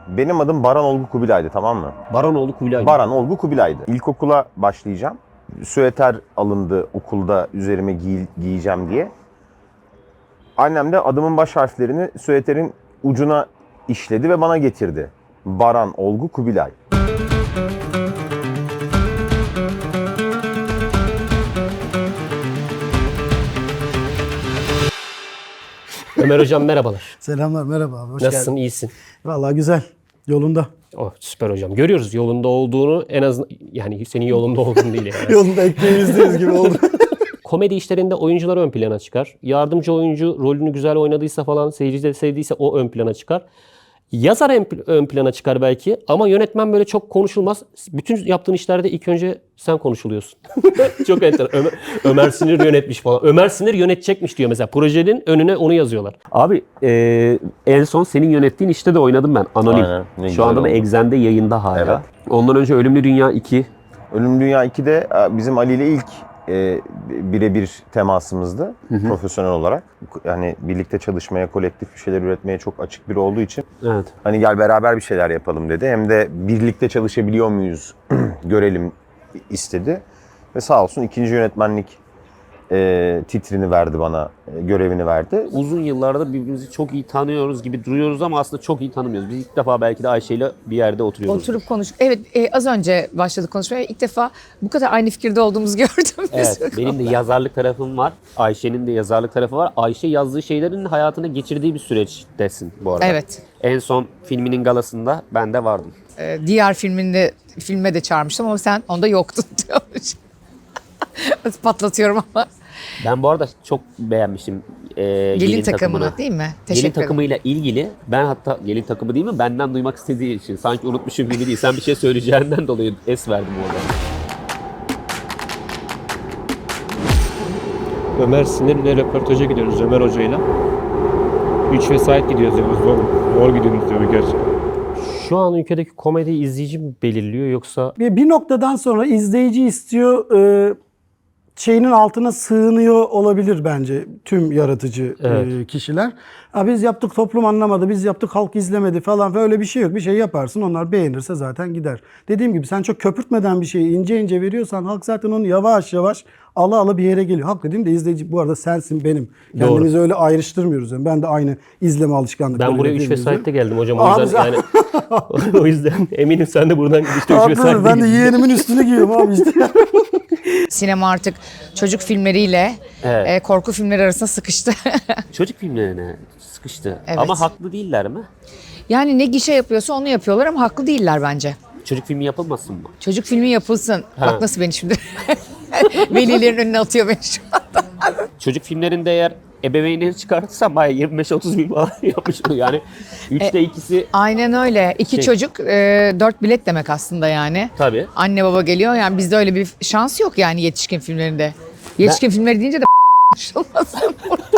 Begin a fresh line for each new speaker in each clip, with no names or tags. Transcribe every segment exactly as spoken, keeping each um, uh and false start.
Benim adım Baran Olgu Kubilay'dı, tamam mı?
Baranoğlu Kubilay.
Baran Olgu Kubilay'dı. İlkokula başlayacağım. Süeter alındı okulda üzerime giy giyeceğim diye. Annem de adımın baş harflerini süeterin ucuna işledi ve bana getirdi. Baran Olgu Kubilay.
Ömer Hocam merhabalar.
Selamlar, merhaba abi. Hoş
Nasılsın,
geldin.
iyisin?
Vallahi güzel. Yolunda.
Oh, süper hocam. Görüyoruz yolunda olduğunu, en azından yani senin yolunda olduğunu değil yani.
Yolunda ekmeğimizdeyiz gibi oldu.
Komedi işlerinde oyuncular ön plana çıkar. Yardımcı oyuncu rolünü güzel oynadıysa falan, seyirci de sevdiyse o ön plana çıkar. Yazar ön plana çıkar belki ama yönetmen böyle çok konuşulmaz. Bütün yaptığın işlerde ilk önce sen konuşuluyorsun. Çok enteresan. Ömer, Ömer Sinir yönetmiş falan. Ömer Sinir yönetecekmiş diyor mesela. Projenin önüne onu yazıyorlar. Abi e, en son senin yönettiğin işte de oynadım ben. Anonim.
Aynen, ne
Şu
güzel
anda da
oldu.
Exxen'de yayında hala.
Evet.
Ondan önce Ölümlü Dünya iki.
Ölüm Dünya iki'de bizim Ali ile ilk e, birebir temasımızdı, profesyonel olarak. Yani birlikte çalışmaya, kolektif bir şeyler üretmeye çok açık biri olduğu için
Evet.
hani gel beraber bir şeyler yapalım dedi. Hem de birlikte çalışabiliyor muyuz görelim istedi. Ve sağ olsun ikinci yönetmenlik e, titrini verdi bana, e, görevini verdi.
Uzun yıllardır birbirimizi çok iyi tanıyoruz gibi duruyoruz ama aslında çok iyi tanımıyoruz. Biz ilk defa belki de Ayşe'yle bir yerde oturuyoruz.
Oturup konuş. Evet, e, az önce başladık konuşmaya. İlk defa bu kadar aynı fikirde olduğumuzu gördüm.
Evet, benim de yazarlık tarafım var. Ayşe'nin de yazarlık tarafı var. Ayşe yazdığı şeylerin hayatına geçirdiği bir süreçtesin bu arada.
Evet.
En son filminin galasında ben de vardım.
E, diğer filminde filme de çağırmıştım ama sen onda yoktun diyormuş. Patlatıyorum ama.
Ben bu arada çok beğenmiştim e, gelin,
Gelin
takımını.
takımını değil mi?
Gelin
Teşekkür ederim.
takımıyla ilgili ben hatta gelin takımı değil mi benden duymak istediği için sanki unutmuşum gibi değil. Sen bir şey söyleyeceğinden dolayı es verdim orada.
Ömer Sinir'le röportaja gidiyoruz Ömer Hoca'yla. Üç vesait gidiyoruz yani zor, zor gidiyoruz diyor gerçi.
Şu an ülkedeki komedi izleyici mi belirliyor yoksa
Bir, bir noktadan sonra izleyici istiyor, e, şeyinin altına sığınıyor olabilir bence tüm yaratıcı e,
Evet.
kişiler. Ha, biz yaptık toplum anlamadı, biz yaptık halk izlemedi falan, öyle bir şey yok. Bir şey yaparsın, onlar beğenirse zaten gider. Dediğim gibi sen çok köpürtmeden bir şeyi ince ince veriyorsan halk zaten onu yavaş yavaş ala ala bir yere geliyor. Halk dediğim de izleyici bu arada sensin, benim. Kendimizi öyle ayrıştırmıyoruz. Yani ben de aynı izleme alışkanlıkları.
ben buraya üç vesaitte geldim hocam o
Abi
yüzden
sen-
yani o yüzden eminim sen de buradan işte üç
Haklı,
vesaitte
ben de yeğenimin üstünü giyiyorum abi işte.
Sinema artık çocuk filmleriyle
Evet.
e, korku filmleri arasında sıkıştı.
Çocuk filmlerine sıkıştı.
Evet.
Ama haklı değiller mi?
Yani ne gişe yapıyorsa onu yapıyorlar ama haklı değiller bence.
Çocuk filmi yapılmasın mı?
Çocuk filmi yapılsın.
Ha.
Bak nasıl beni şimdi velilerin önüne atıyor beni şu anda.
Çocuk filmlerinde eğer ebeveynleri çıkartırsam bayağı yirmi beş otuz bin falan yapmış oluyor. Yani üçte ikisi
Aynen öyle. İki
Şey-
çocuk, e, dört bilet demek aslında yani.
tabii.
Anne baba geliyor yani bizde öyle bir şans yok yani yetişkin filmlerinde. Yetişkin filmleri deyince de konuşulmasın.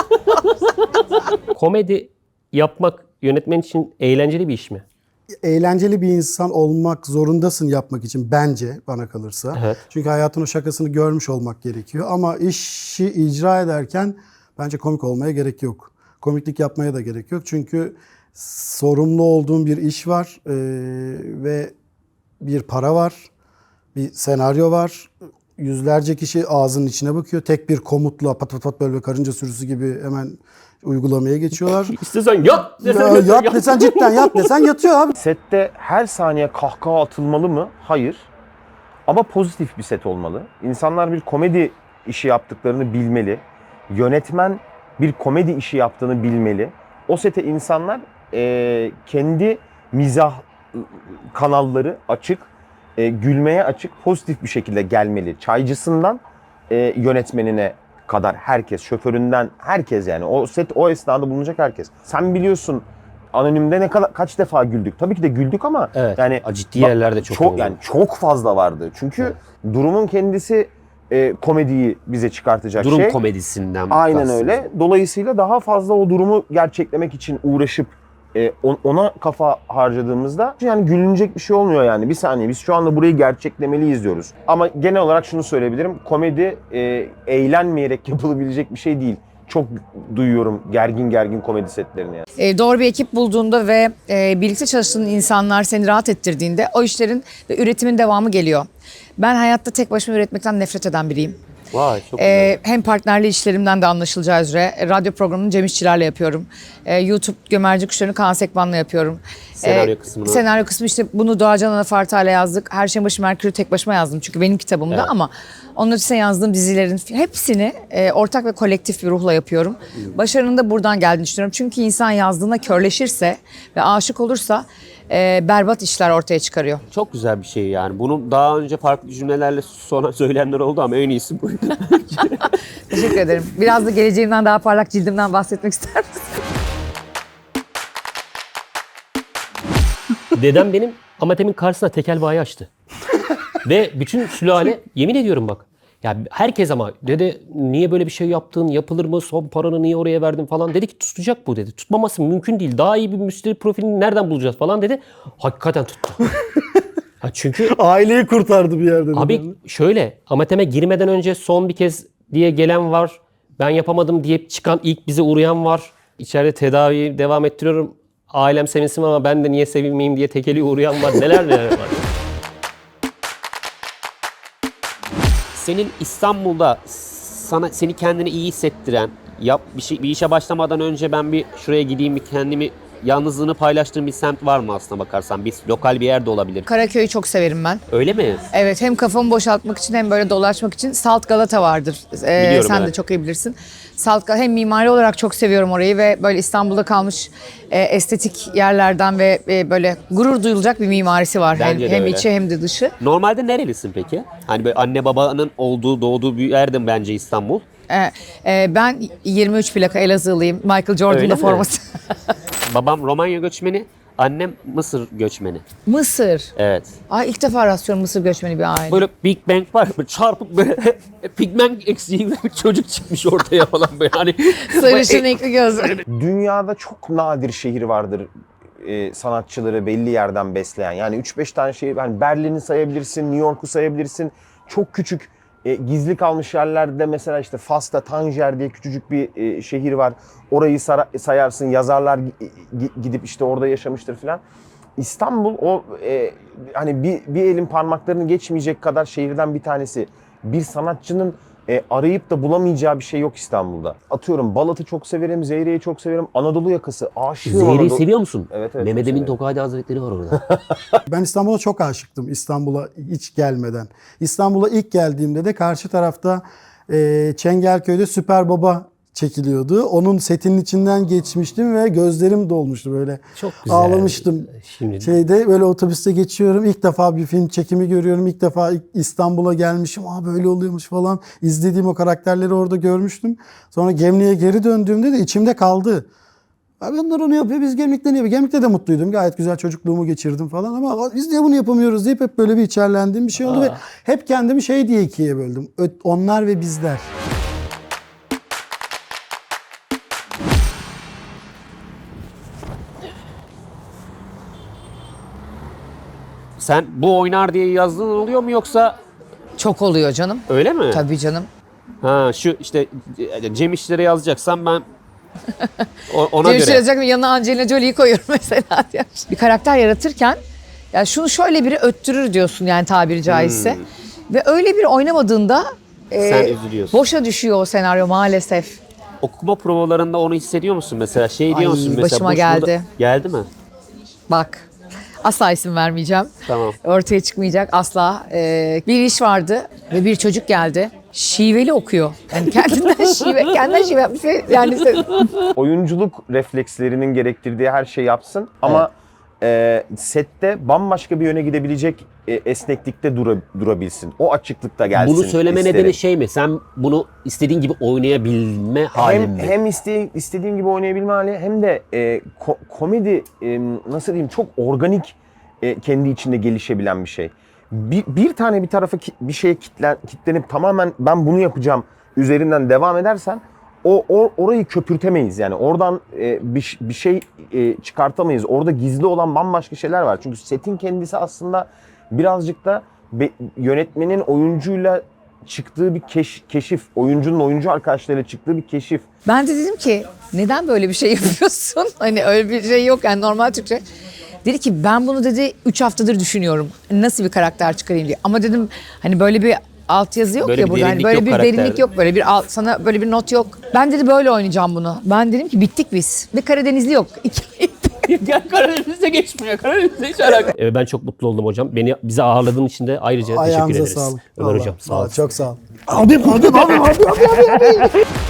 Komedi yapmak yönetmen için eğlenceli bir iş mi?
Eğlenceli bir insan olmak zorundasın yapmak için bence, bana kalırsa.
Evet.
Çünkü hayatın o şakasını görmüş olmak gerekiyor. Ama işi icra ederken bence komik olmaya gerek yok. Komiklik yapmaya da gerek yok. Çünkü sorumlu olduğun bir iş var ee, ve bir para var, bir senaryo var. Yüzlerce kişi ağzının içine bakıyor. Tek bir komutla pat pat pat böyle karınca sürüsü gibi hemen uygulamaya geçiyorlar.
İstesen yat desen
Ya,
yat.
yat desen cidden yat desen yatıyor abi.
Sette her saniye kahkaha atılmalı mı? Hayır. Ama pozitif bir set olmalı. İnsanlar bir komedi işi yaptıklarını bilmeli. Yönetmen bir komedi işi yaptığını bilmeli. O sete insanlar e, kendi mizah ı, kanalları açık, e, gülmeye açık, pozitif bir şekilde gelmeli. Çaycısından e, yönetmenine kadar herkes, şoföründen herkes yani. O set o esnada bulunacak herkes. Sen biliyorsun Anonim'de ne kadar kaç defa güldük. Tabii ki de güldük ama
Evet.
yani
Ciddi yerlerde çok oldu.
yani çok fazla vardı. Çünkü durumun kendisi e, komediyi bize çıkartacak
Durum
şey.
komedisinden.
Aynen
kastım.
öyle. Dolayısıyla daha fazla o durumu gerçeklemek için uğraşıp e, on- ona kafa harcadığımızda yani gülünecek bir şey olmuyor yani. Bir saniye biz şu anda burayı gerçeklemeliyiz diyoruz. Ama genel olarak şunu söyleyebilirim. Komedi e, eğlenmeyerek yapılabilecek bir şey değil. çok duyuyorum gergin gergin komedi setlerini yani.
E, doğru bir ekip bulduğunda ve e, birlikte çalıştığın insanlar seni rahat ettirdiğinde o işlerin ve üretimin devamı geliyor. Ben hayatta tek başıma üretmekten nefret eden biriyim.
Vay çok güzel.
Ee, hem partnerli işlerimden de anlaşılacağı üzere e, radyo programını Cem İşçiler'le yapıyorum. Ee, YouTube Gömerci Kuşları'nı Kaan Sekban'la yapıyorum.
Senaryo
Ee,
kısmını.
Senaryo kısmı işte bunu Doğacan Anafarta'yla yazdık. Her şeyin başı Merkür'ü tek başıma yazdım çünkü benim kitabımda
Evet.
ama onun ötesine yazdığım dizilerin hepsini e, ortak ve kolektif bir ruhla yapıyorum. Başarının da buradan geldiğini düşünüyorum. Çünkü insan yazdığına körleşirse ve aşık olursa e, berbat işler ortaya çıkarıyor.
Çok güzel bir şey yani. Bunu daha önce farklı cümlelerle sonra söyleyenler oldu ama en iyisi buydu.
Teşekkür ederim. Biraz da geleceğimden daha parlak cildimden bahsetmek ister misin?
Dedem benim Amatem'in karşısına tekel bayi açtı. Ve bütün sülale yemin ediyorum bak. Ya herkes ama dede niye böyle bir şey yaptın, yapılır mı, son paranı niye oraya verdin falan dedi ki tutacak bu dedi. Tutmaması mümkün değil. Daha iyi bir müşteri profilini nereden bulacağız falan dedi. Hakikaten tuttu. Ha çünkü
Aileyi kurtardı bir yerde.
abi şöyle Amatem'e girmeden önce son bir kez diye gelen var. Ben yapamadım diye çıkan ilk bize uğrayan var. İçeride tedaviyi devam ettiriyorum. Ailem sevinsin ama ben de niye sevinmeyeyim diye tekeli uğrayan var. Neler neler var. Senin İstanbul'da sana seni kendini iyi hissettiren, yap bir şey bir işe başlamadan önce ben bir şuraya gideyim bir kendimi yalnızlığını paylaştığım bir semt var mı aslına bakarsan? Bir lokal bir yerde olabilir.
Karaköy'ü çok severim ben.
Öyle mi?
Evet, hem kafamı boşaltmak için hem böyle dolaşmak için Salt Galata vardır. Ee,
Biliyorum,
sen de
evet.
çok iyi bilirsin. Salt Galata hem mimari olarak çok seviyorum orayı ve böyle İstanbul'da kalmış e, estetik yerlerden ve e, böyle gurur duyulacak bir mimarisi var. Hem,
Bence de
hem
öyle.
içi hem de dışı.
Normalde nerelisin peki? Hani böyle anne babanın olduğu, doğduğu bir yerde mi bence İstanbul?
Ee, e, ben yirmi üç plaka Elazığlıyım. Michael
Öyle
Jordan'da
mi?
forması.
Babam Romanya göçmeni, annem Mısır göçmeni.
Mısır.
Evet.
Ay ilk defa rastlıyorum Mısır göçmeni bir aile.
Böyle Big Bang var böyle çarpıp böyle pigment eksiği bir çocuk çıkmış ortaya falan böyle hani.
Sarışın renkli gözler.
Dünyada çok nadir şehir vardır e, sanatçıları belli yerden besleyen. Yani üç beş tane şehir, yani Berlin'i sayabilirsin, New York'u sayabilirsin. Çok küçük e, gizli kalmış yerlerde mesela işte Fas'ta Tanger diye küçücük bir e, şehir var. Orayı sara- sayarsın, yazarlar gi- gidip işte orada yaşamıştır falan. İstanbul o e, hani bir, bir elin parmaklarını geçmeyecek kadar şehirden bir tanesi. Bir sanatçının e, arayıp da bulamayacağı bir şey yok İstanbul'da. Atıyorum Balat'ı çok severim, Zeyre'yi çok severim. Anadolu yakası aşığım.
Zeyre'yi
Anadolu-
seviyor musun?
Evet, evet,
Mehmet
çok
Emin
severim.
Tokadi Hazretleri var orada.
Ben İstanbul'a çok aşıktım, İstanbul'a hiç gelmeden. İstanbul'a ilk geldiğimde de karşı tarafta e, Çengelköy'de Süper Baba çekiliyordu. Onun setinin içinden geçmiştim ve gözlerim dolmuştu böyle.
Çok güzel.
Ağlamıştım.
Şimdi
Şeyde böyle otobüste geçiyorum. İlk defa bir film çekimi görüyorum. İlk defa İstanbul'a gelmişim. Aa böyle oluyormuş falan. İzlediğim o karakterleri orada görmüştüm. Sonra Gemlik'e geri döndüğümde de içimde kaldı. Abi onlar onu yapıyor, biz Gemlik'te ne yapıyor? Gemlik'te de mutluydum. Gayet güzel çocukluğumu geçirdim falan ama biz niye bunu yapamıyoruz deyip hep böyle bir içerlendiğim bir şey oldu. Ve hep kendimi şey diye ikiye böldüm. Ö- Onlar ve bizler.
sen bu oynar diye yazdığın oluyor mu yoksa
Çok oluyor canım.
öyle mi?
Tabii canım.
Ha şu işte Cem İşler'e yazacaksan ben o- ona
Cem
göre.
yazacak yanına Angelina Jolie'yi koyuyorum mesela. diye. Bir karakter yaratırken ya şunu şöyle biri öttürür diyorsun yani tabiri caizse. Ve öyle bir oynamadığında e,
Sen üzülüyorsun.
boşa düşüyor o senaryo maalesef.
Okuma provalarında onu hissediyor musun mesela? Şey diyor
Ay,
musun mesela?
başıma
bu şurada-
geldi.
Geldi mi?
Bak asla isim vermeyeceğim.
Tamam.
Ortaya çıkmayacak asla. Ee, bir iş vardı ve bir çocuk geldi. Şiveli okuyor. Yani kendinden şive, kendinden şive yapmış. ve Yani
Oyunculuk reflekslerinin gerektirdiği her şeyi yapsın ama e, sette bambaşka bir yöne gidebilecek e, esneklikte dura- durabilsin. O açıklıkta gelsin.
Bunu söyleme
isterim.
nedeni şey mi? Sen bunu istediğin gibi oynayabilme halin
Hem,
mi?
hem iste, istediğim gibi oynayabilme hali hem de e, ko- komedi e, nasıl diyeyim çok organik e, kendi içinde gelişebilen bir şey. Bir, bir tane bir tarafa ki- bir şeye kitlen, kitlenip tamamen ben bunu yapacağım üzerinden devam edersen o, o orayı köpürtemeyiz yani oradan e, bir, bir şey e, çıkartamayız. Orada gizli olan bambaşka şeyler var. Çünkü setin kendisi aslında birazcık da be- yönetmenin oyuncuyla çıktığı bir keş- keşif. Oyuncunun oyuncu arkadaşlarıyla çıktığı bir keşif.
Ben de dedim ki neden böyle bir şey yapıyorsun? Hani öyle bir şey yok yani normal Türkçe. Dedi ki ben bunu dedi üç haftadır düşünüyorum. Nasıl bir karakter çıkarayım diye. Ama dedim hani böyle bir altyazı yok
Böyle
ya
bir
burada. Hani
derinlik
böyle
yok
bir
karakterde.
derinlik yok. Böyle bir alt, sana böyle bir not yok. Ben dedi böyle oynayacağım bunu. Ben dedim ki bittik biz. Bir Karadenizli yok.
Gel Karadeniz'e geçmiyor. Karadeniz'e hiç alakalı. Ee, ben çok mutlu oldum hocam. Beni bize ağırladığın için de ayrıca teşekkür
Ayağınıza
ederiz.
sağlık.
Ömer
Vallahi.
hocam sağ
Vallahi
olun.
Çok sağ ol. Abim abim abim abim abim.